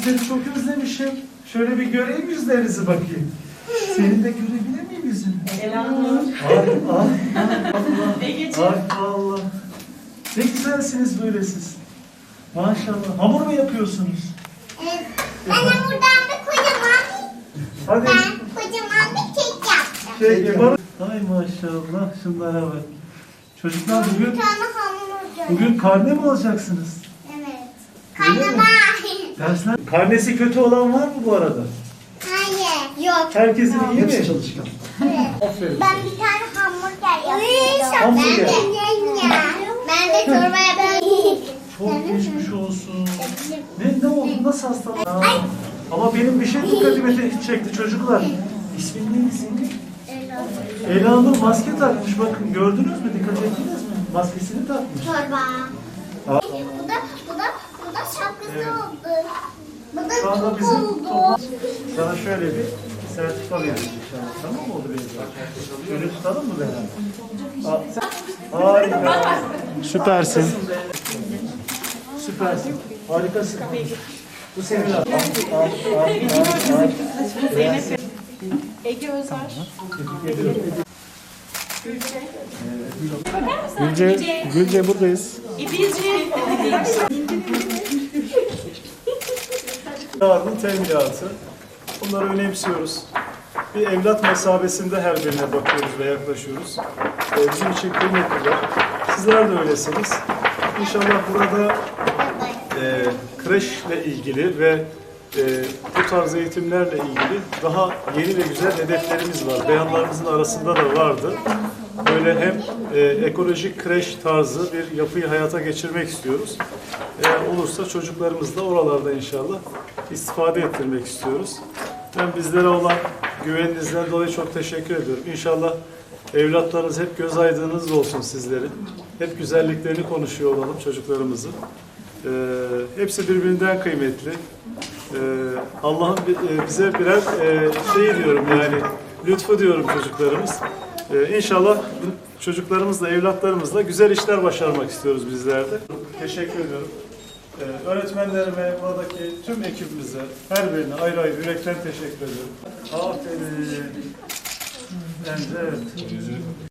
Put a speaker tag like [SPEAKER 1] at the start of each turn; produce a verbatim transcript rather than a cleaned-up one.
[SPEAKER 1] seni çok özlemişim. Şöyle bir göreyim yüzlerinizi bakayım. Seni de görebilir miyim yüzünü?
[SPEAKER 2] Selamlar.
[SPEAKER 1] Ay ay Allah. Ay Allah. Ne güzelsiniz böyle siz. Maşallah. Hamur mu yapıyorsunuz?
[SPEAKER 3] Evet. Ben hamurdan bir kocaman
[SPEAKER 1] Hadi.
[SPEAKER 3] ben kocaman bir kek yaptım.
[SPEAKER 1] Şey yapalım. Ay maşallah. Şunlara bak. Çocuklar
[SPEAKER 3] Bir
[SPEAKER 1] bugün
[SPEAKER 3] tane hamur gördüm.
[SPEAKER 1] bugün karne mi alacaksınız?
[SPEAKER 3] Evet.
[SPEAKER 1] Öyle mi?
[SPEAKER 3] Karnabahar.
[SPEAKER 1] Dersler. Karnesi kötü olan var mı bu arada?
[SPEAKER 3] Hayır. Yok.
[SPEAKER 1] Herkesin iyi mi?
[SPEAKER 4] çalışkan.
[SPEAKER 3] Evet.
[SPEAKER 1] Aferin.
[SPEAKER 3] Ben bir tane hamburger yapıyorum.
[SPEAKER 1] Hamburger.
[SPEAKER 3] Ben de Ben de çorba yapıyorum.
[SPEAKER 1] Çok geçmiş olsun. Ne ne oldu? Nasıl hastalık? Aa, ama benim bir şey dikkatimi çekti çocuklar. İsmin neydi senin? Elanur maske takmış. Bakın gördünüz mü? Dikkat ettiniz mi? Maskesini takmış.
[SPEAKER 3] Çorba.
[SPEAKER 1] Aa.
[SPEAKER 3] Bu da bu da bu da şapkası
[SPEAKER 1] Evet.
[SPEAKER 3] oldu. Bu da
[SPEAKER 1] Şu anda
[SPEAKER 3] çok
[SPEAKER 1] bizim
[SPEAKER 3] oldu.
[SPEAKER 1] toplam- sana şöyle bir sertifika veririz inşallah. Tamam mı oldu benim? Şöyle tutalım mı beraber? Aa, sen- Harika. Süpersin. Süpersin. Harikasın. Bu senin al. Al, al, al, al.
[SPEAKER 2] Zeynep. Ege Özer.
[SPEAKER 1] Tebrik ediyorum.
[SPEAKER 2] Bakar mısın?
[SPEAKER 1] Gülce, Gülce buradayız.
[SPEAKER 2] İdilci.
[SPEAKER 5] Yardım teminatı. Bunları önemsiyoruz. Bir evlat mesabesinde her birine bakıyoruz ve yaklaşıyoruz. Ee, bizim için kıymetliler. Sizler de öylesiniz. İnşallah burada e, kreşle ilgili ve e, bu tarz eğitimlerle ilgili daha yeni ve güzel hedeflerimiz var. Beyanlarımızın arasında da vardı. Böyle hem e, ekolojik kreş tarzı bir yapıyı hayata geçirmek istiyoruz. Eğer olursa çocuklarımız da oralarda inşallah istifade ettirmek istiyoruz. Ben bizlere olan güveninizden dolayı çok teşekkür ediyorum. İnşallah evlatlarınız hep göz aydınınız olsun sizlerin. Hep güzelliklerini konuşuyor olalım çocuklarımızın. Ee, hepsi birbirinden kıymetli. Ee, Allah'ın bi- e, bize birer e, şey diyorum yani lütfu diyorum çocuklarımız. Ee, İnşallah bu çocuklarımızla, evlatlarımızla güzel işler başarmak istiyoruz bizler de. Teşekkür ediyorum. Ee, öğretmenlerime, buradaki tüm ekibimize, her birine ayrı ayrı yürekten teşekkür ediyorum. Aferin. Bence evet.